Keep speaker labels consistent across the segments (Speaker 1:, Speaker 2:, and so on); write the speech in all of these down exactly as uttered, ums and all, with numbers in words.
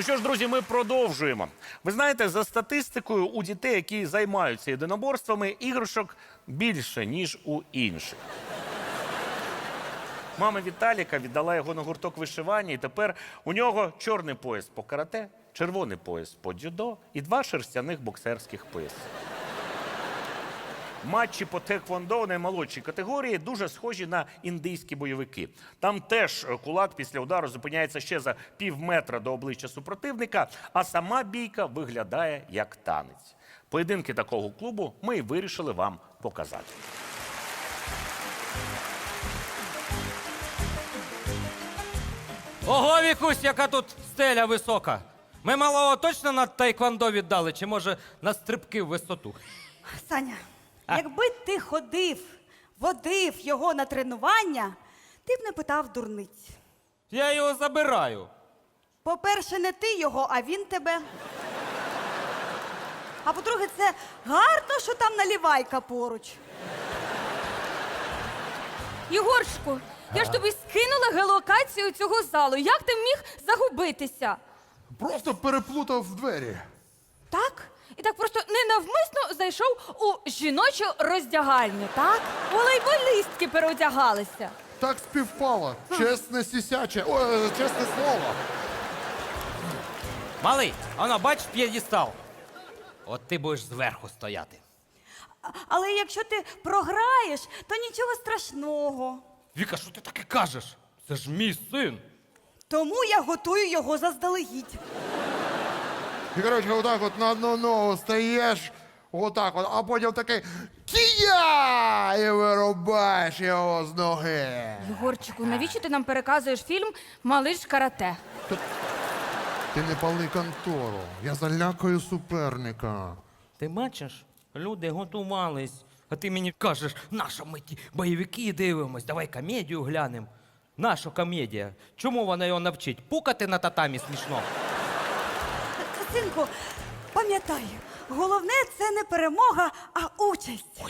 Speaker 1: Ну що ж, друзі, ми продовжуємо. Ви знаєте, за статистикою, у дітей, які займаються єдиноборствами, іграшок більше, ніж у інших. Мама Віталіка віддала його на гурток вишивання, і тепер у нього чорний пояс по карате, червоний пояс по дзюдо і два шерстяних боксерських пояси. Матчі по тхеквондо у наймолодшій категорії дуже схожі на індійські бойовики. Там теж кулак після удару зупиняється ще за пів метра до обличчя супротивника, а сама бійка виглядає як танець. Поєдинки такого клубу ми і вирішили вам показати.
Speaker 2: Ого, Вікусь, яка тут стеля висока. Ми малого точно на тайквондо віддали, чи може на стрибки в висоту?
Speaker 3: Саня, якби ти ходив, водив його на тренування, ти б не питав дурниць.
Speaker 2: Я його забираю.
Speaker 3: По-перше, не ти його, а він тебе. А по-друге, це гарно, що там наливайка поруч.
Speaker 4: Єгорчику, я ж тобі скинула геолокацію цього залу. Як ти міг загубитися?
Speaker 5: Просто переплутав в двері.
Speaker 4: Так? І так просто ненавмисно зайшов у жіночу роздягальню, так? Волейболістки переодягалися.
Speaker 5: Так співпало. Чесне сісяче. О, чесне слово.
Speaker 2: Малий, воно, бачиш п'єдестал? От ти будеш зверху стояти.
Speaker 3: А- Але якщо ти програєш, то нічого страшного.
Speaker 2: Віка, що ти таке кажеш? Це ж мій син.
Speaker 3: Тому я готую його заздалегідь.
Speaker 5: І, коротше, отак от на одну ногу стаєш, отак от, а потім такий кія! І вирубаєш його з ноги.
Speaker 4: Єгорчику, навіщо ти нам переказуєш фільм «Малиш карате»?
Speaker 5: Ти не пали контору. Я залякаю суперника.
Speaker 2: Ти бачиш, люди готувались. А ти мені кажеш, нащо ми ті бойовики дивимось, давай комедію глянемо. Наша комедія. Чому вона його навчить? Пукати на татамі смішно.
Speaker 3: Синку, пам'ятай, головне це не перемога, а участь.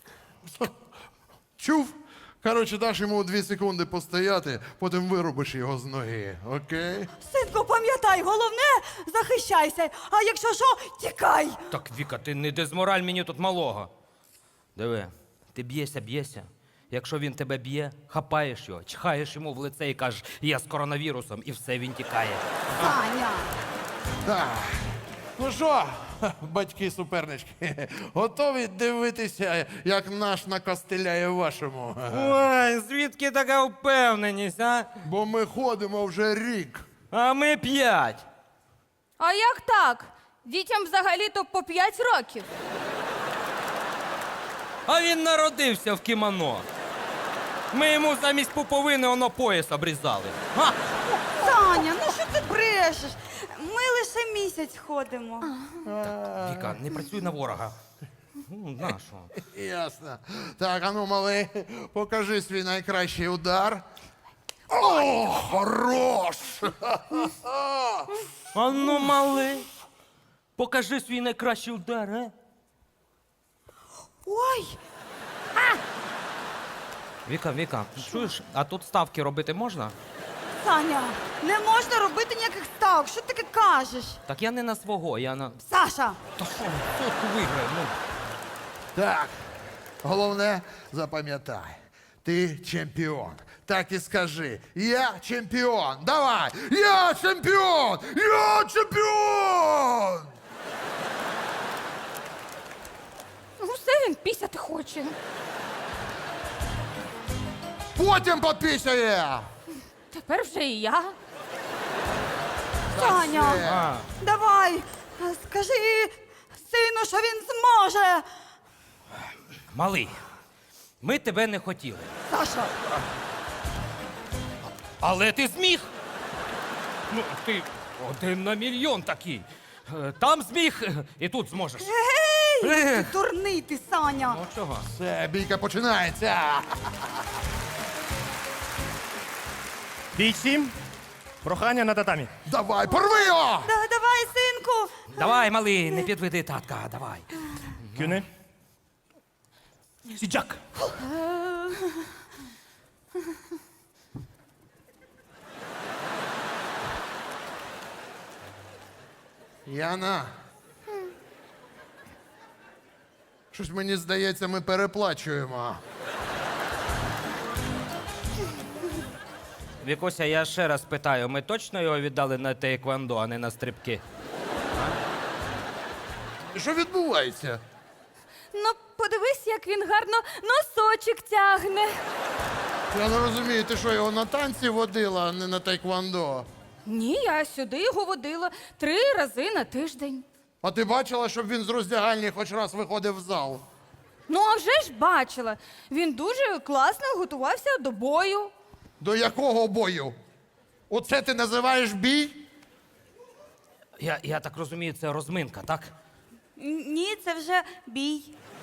Speaker 5: Чув? Коротше, даш йому дві секунди постояти, потім вирубиш його з ноги, окей?
Speaker 3: Синку, пам'ятай, головне захищайся, а якщо що, тікай.
Speaker 2: Так, Віка, ти не дезмораль мені тут малого. Диви, ти б'єшся, б'єшся. Якщо він тебе б'є, хапаєш його, чхаєш йому в лице і кажеш, я з коронавірусом, і все, він тікає.
Speaker 3: Саня.
Speaker 5: Так. Ну що, батьки-супернички, готові дивитися, як наш накостеляє вашому?
Speaker 2: Ой, звідки така впевненість, а?
Speaker 5: Бо ми ходимо вже рік.
Speaker 2: А ми п'ять.
Speaker 4: А як так? Дітям взагалі-то по п'ять років.
Speaker 2: А він народився в кімоно. Ми йому замість пуповини воно пояс обрізали. Га!
Speaker 3: Саня, ну що ти брешеш? Ми лише місяць ходимо.
Speaker 2: Віка, не працюй на ворога. Ну, нащо?
Speaker 5: Ясно. Так, а ну, малий, покажи свій найкращий удар. О, хорош!
Speaker 2: А ну, малий, покажи свій найкращий удар, а?
Speaker 3: Ой,
Speaker 2: Віка, Віка, чуєш, а тут ставки робити можна?
Speaker 3: Саня, не можна робити ніяких ставок. Що ти таке кажеш?
Speaker 2: Так я не на свого, я на...
Speaker 3: Саша,
Speaker 2: Та що, сотку виграю, ну.
Speaker 5: Так, головне, запам'ятай, ти чемпіон. Так і скажи, я чемпіон. Давай, я чемпіон! Я чемпіон!
Speaker 4: Ну все, він пісяти хоче.
Speaker 5: Потім попісяє!
Speaker 4: Тепер вже і я.
Speaker 3: Саня,
Speaker 2: А,
Speaker 3: давай, скажи сину, що він зможе.
Speaker 2: малий, ми тебе не хотіли.
Speaker 3: Саша,
Speaker 2: Але ти зміг. Ну, ти один на мільйон такий. Е, Там зміг, е, і тут зможеш.
Speaker 3: гей,
Speaker 2: Е.
Speaker 3: ти дурний ти, Саня.
Speaker 2: Ну чого?
Speaker 5: Все, бійка починається.
Speaker 6: Бійці, прохання на татамі.
Speaker 5: Давай, порви його!
Speaker 3: Да, давай, синку.
Speaker 2: Давай, малий, не підведи татка, давай.
Speaker 6: Кюни.
Speaker 2: Сіджак.
Speaker 5: Яна. Щось мені здається, ми переплачуємо.
Speaker 2: Вікуся, я ще раз питаю, ми точно його віддали на тейквондо, а не на стрибки?
Speaker 5: Що відбувається?
Speaker 4: Ну, подивись, як він гарно носочок тягне.
Speaker 5: Я не розумію, ти що, його на танці водила, а не на тайквондо?
Speaker 4: Ні, я сюди його водила три рази на тиждень.
Speaker 5: А ти бачила, щоб він з роздягальні хоч раз виходив в зал?
Speaker 4: Ну, а вже ж бачила. Він дуже класно готувався до бою.
Speaker 5: До якого бою? Оце ти називаєш бій?
Speaker 2: Я, я так розумію, це розминка, так?
Speaker 3: Н- Ні, це вже бій.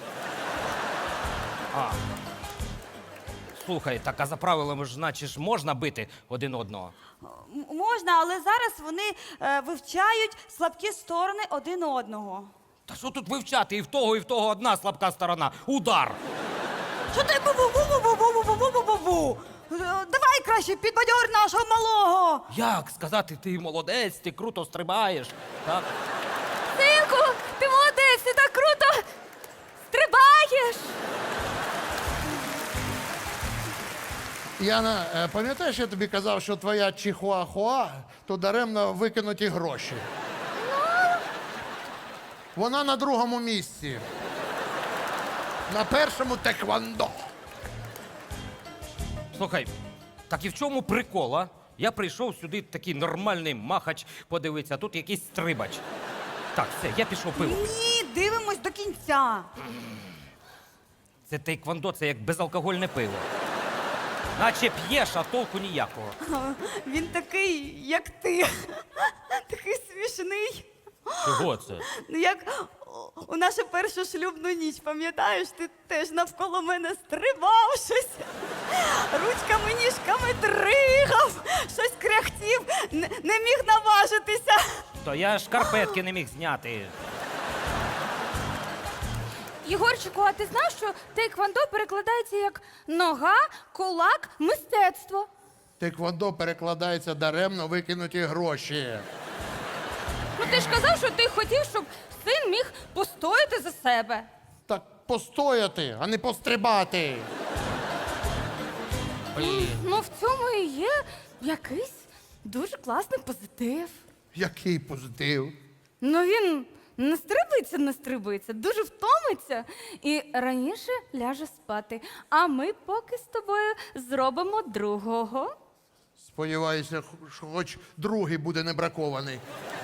Speaker 2: Слухай, так а за правилами ж, значить, ж можна бити один одного.
Speaker 3: М- Можна, але зараз вони е, вивчають слабкі сторони один одного.
Speaker 2: Та що тут вивчати? І в того, і в того одна слабка сторона. Удар!
Speaker 3: Що ти бу-бу-бу-бу-бу-бу-бу-бу-бу-бу? Е, Давай краще підбадьор нашого малого.
Speaker 2: Як сказати, ти молодець, ти круто стрибаєш. Так?
Speaker 4: Синку, ти молодець, ти так круто стрибаєш.
Speaker 5: Яна, е, пам'ятаєш, я тобі казав, що твоя чихуахуа, то даремно викинуті гроші. Вона на другому місці. На першому теквондо.
Speaker 2: Слухай, так і в чому прикол, а? Я прийшов сюди такий нормальний махач подивитися, а тут якийсь стрибач. Так, все, я пішов пиво.
Speaker 3: Ні, дивимось до кінця.
Speaker 2: Це тейквондо, це як безалкогольне пиво. Наче п'єш, а толку ніякого.
Speaker 3: Він такий, як ти. Такий смішний.
Speaker 2: Чого це?
Speaker 3: Ну, як у нашу першу шлюбну ніч, пам'ятаєш, ти теж навколо мене стрибав щось, ручками, ніжками дригав, щось кряхтів, не, не міг наважитися.
Speaker 2: То я шкарпетки не міг зняти.
Speaker 4: Єгорчику, а ти знав, що тейквондо перекладається як нога, кулак, мистецтво?
Speaker 5: Теквондо перекладається даремно викинуті гроші.
Speaker 4: Ну ти ж казав, що ти хотів, щоб син міг постояти за себе.
Speaker 5: Так постояти, а не пострибати.
Speaker 2: Блін.
Speaker 4: Ну в цьому і є якийсь дуже класний позитив.
Speaker 5: Який позитив.
Speaker 4: Ну він не стрибиться, не стрибиться, дуже втомиться і раніше ляже спати. А ми поки з тобою зробимо другого.
Speaker 5: Сподіваюся, що хоч другий буде не бракований.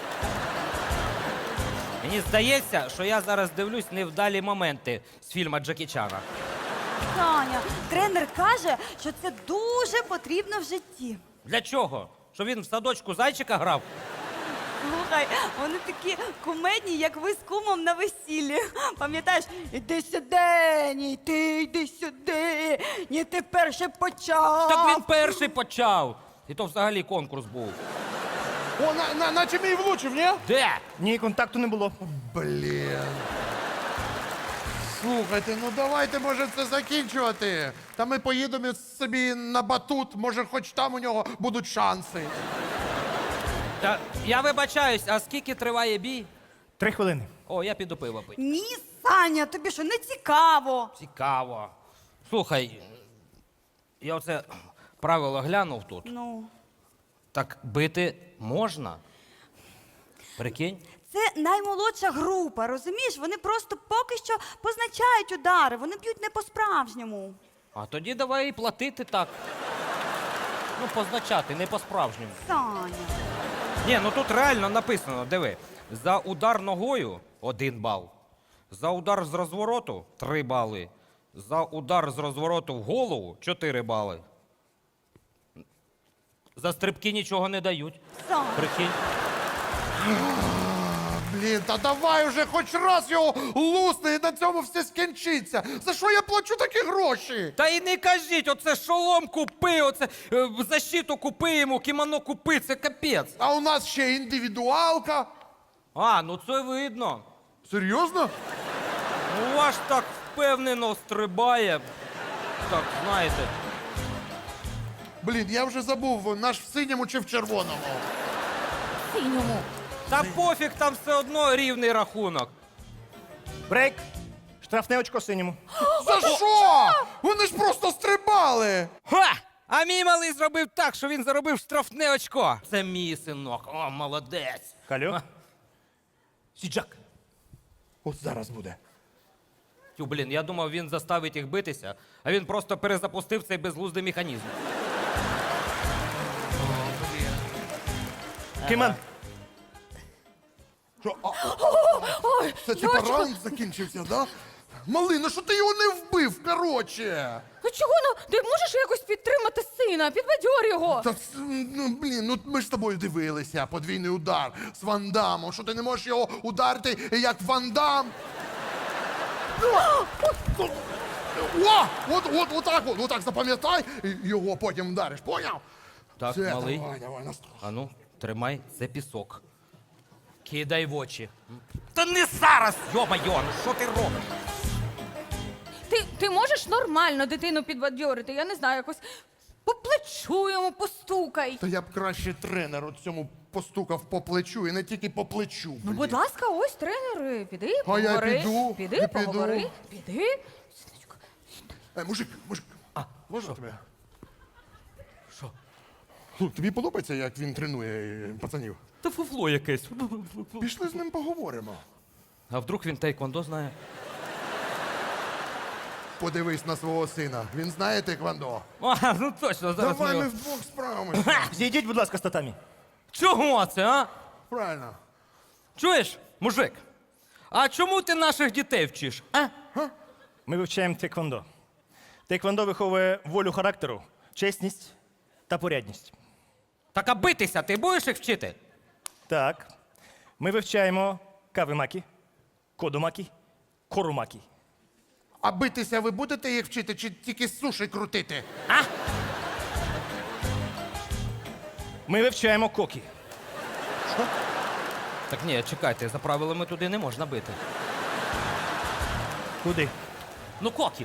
Speaker 2: Мені здається, що я зараз дивлюсь невдалі моменти з фільму Джекі Чана.
Speaker 3: Таня, тренер каже, що це дуже потрібно в житті.
Speaker 2: Для чого? Що він в садочку зайчика грав?
Speaker 3: Слухай, вони такі кумедні, як ви з кумом на весіллі. Пам'ятаєш, іди сюди, ні, ти йди сюди, ні, ти перше почав.
Speaker 2: Так він перший почав. І то взагалі конкурс був.
Speaker 5: О, на, на, наче мій влучив, ні?
Speaker 2: Де?
Speaker 6: Ні, контакту не було.
Speaker 5: Блін. Слухайте, ну давайте, може, це закінчувати. Та ми поїдемо собі на батут, може, хоч там у нього будуть шанси.
Speaker 2: Та я вибачаюсь, а скільки триває бій?
Speaker 6: Три хвилини.
Speaker 2: О, я піду пиво пити.
Speaker 3: Ні, Саня, тобі що, не цікаво?
Speaker 2: Цікаво. Слухай, я оце правило глянув тут.
Speaker 3: Ну,
Speaker 2: Так бити можна? Прикинь?
Speaker 3: це наймолодша група, розумієш? Вони просто поки що позначають удари, вони б'ють не по-справжньому.
Speaker 2: А тоді давай і платити так. Ну, позначати, не по-справжньому.
Speaker 3: Саня.
Speaker 2: Ні, ну тут реально написано, диви. За удар ногою один бал. За удар з розвороту три бали. За удар з розвороту в голову чотири бали. За стрибки нічого не дають.
Speaker 3: Саня.
Speaker 2: Прикинь.
Speaker 5: Блін, та давай уже хоч раз його лусни і на цьому все скінчиться. За що я плачу такі гроші?
Speaker 2: Та й не кажіть, оце шолом купи, оце е, защиту купи йому, кімоно купи, це капець.
Speaker 5: А у нас ще індивідуалка.
Speaker 2: А, ну це видно.
Speaker 5: Серйозно?
Speaker 2: Ну, ваш так впевнено стрибає. Так, знаєте.
Speaker 5: Блін, я вже забув, наш в синьому чи в червоному.
Speaker 4: Синьому.
Speaker 2: Та пофіг, там все одно рівний рахунок.
Speaker 6: Брейк. Штрафне очко синьому.
Speaker 5: За що? Вони ж просто стрибали.
Speaker 2: Ха! А мій малий зробив так, що він заробив штрафне очко. Це мій синок. О, молодець.
Speaker 6: Калю. Сіджак.
Speaker 5: От зараз буде.
Speaker 2: Тю, блін, я думав, він заставить їх битися, а він просто перезапустив цей безглуздий механізм.
Speaker 6: Киман.
Speaker 5: Що? А, це типа раунд закінчився, да? Малий, ну що ти його не вбив, короче?
Speaker 4: Ну чого, ну ти можеш якось підтримати сина, підбадьор його.
Speaker 5: Та, це, ну, блін, ну ми ж з тобою дивилися, подвійний удар з Ван Дамом. Що ти не можеш його ударити, як Ван Дам? О! От, от, отак, от, отак запам'ятай, і його потім вдариш, поняв?
Speaker 2: Так,
Speaker 5: Все,
Speaker 2: малий.
Speaker 5: давай, давай, настрой.
Speaker 2: А ну, тримай, це пісок. Кидай в очі. Та не зараз! Йо-майо, ну що ти робиш?
Speaker 4: Ти, ти можеш нормально дитину підбадьорити, я не знаю, якось по плечу йому постукай.
Speaker 5: Та я б краще тренеру цьому постукав по плечу і не тільки по плечу.
Speaker 4: Ну,
Speaker 5: блін.
Speaker 4: будь ласка, ось тренери, піди,
Speaker 5: я
Speaker 4: поговори.
Speaker 5: піду,
Speaker 4: піди,
Speaker 5: і піду.
Speaker 4: поговори, піди. Синочку.
Speaker 5: Е, мужик, мужик,
Speaker 2: А,
Speaker 5: можна тебе?
Speaker 2: Що?
Speaker 5: Ну, тобі подобається, як він тренує е, пацанів?
Speaker 2: Та фуфло якесь.
Speaker 5: Пішли з ним поговоримо.
Speaker 2: А вдруг він тейквондо знає?
Speaker 5: Подивись на свого сина. Він знає тейквондо.
Speaker 2: А, ну точно, зараз
Speaker 5: Давай
Speaker 2: ми
Speaker 5: ми
Speaker 2: його-
Speaker 5: вдвох справимося.
Speaker 6: Зійдіть, будь ласка, з татамі.
Speaker 2: Чого це, а?
Speaker 5: Правильно.
Speaker 2: Чуєш, мужик? А чому ти наших дітей вчиш? А?
Speaker 6: Ми вивчаємо тейквондо. Тейквондо виховує волю характеру, чесність та порядність.
Speaker 2: Так а битися ти будеш їх вчити?
Speaker 6: Так. Ми вивчаємо кавимакі, кодомакі, корумакі.
Speaker 5: А битися ви будете їх вчити чи тільки суші крутити?
Speaker 2: А?
Speaker 6: Ми вивчаємо кокі.
Speaker 2: Так ні, чекайте, за правилами туди не можна бити.
Speaker 6: Куди?
Speaker 2: Ну, кокі.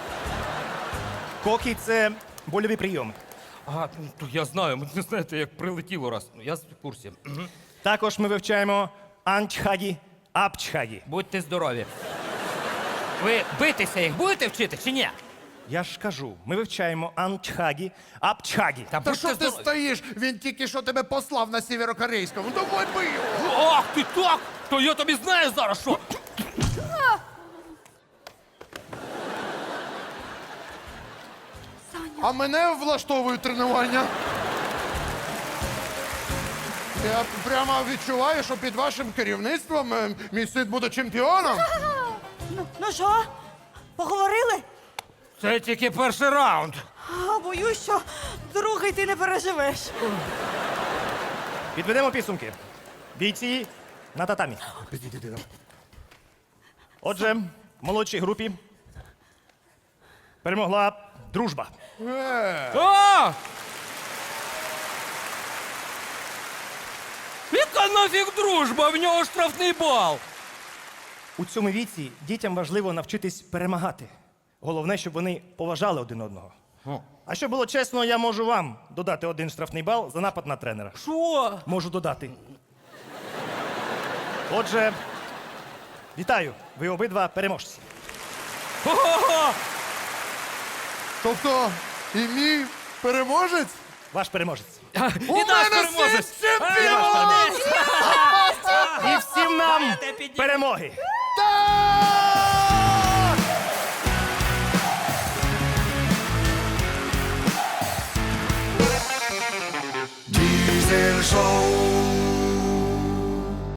Speaker 6: Кокі це больові прийоми.
Speaker 2: А, ну, то я знаю, ви знаєте, як прилетіло раз. Я в курсі. Мгм.
Speaker 6: Також ми вивчаємо анчхагі, апчхагі.
Speaker 2: Будьте здорові. Ви битися їх будете вчити чи ні?
Speaker 6: Я ж кажу, ми вивчаємо анчхагі, апчхагі.
Speaker 5: Та
Speaker 2: Та будьте
Speaker 5: що ти
Speaker 2: здорові.
Speaker 5: стоїш? Він тільки що тебе послав на сєвєрокорейському. Давай бий його!
Speaker 2: Ах, ти так! То я тобі знаю зараз, що.
Speaker 5: А мене влаштовують тренування. Я прямо відчуваю, що під вашим керівництвом е, мій син буде чемпіоном.
Speaker 3: Ну, ну що, поговорили?
Speaker 2: Це тільки перший раунд.
Speaker 3: А, боюсь, що другий ти не переживеш.
Speaker 6: Підведемо підсумки. Бійці на татамі. Отже, в молодшій групі перемогла дружба.
Speaker 2: О! Яка нафіг дружба? В нього штрафний бал.
Speaker 6: У цьому віці дітям важливо навчитись перемагати. Головне, щоб вони поважали один одного. А щоб було чесно, я можу вам додати один штрафний бал за напад на тренера.
Speaker 2: Що?
Speaker 6: Можу додати. Отже, вітаю, ви обидва переможці.
Speaker 2: Ого!
Speaker 5: Тобто і мій переможець?
Speaker 6: Ваш переможець.
Speaker 2: І
Speaker 5: У
Speaker 2: наш
Speaker 5: мене
Speaker 2: переможець!
Speaker 5: син чемпіон!
Speaker 6: І всім нам
Speaker 2: Підіймайте, підіймайте.
Speaker 6: перемоги!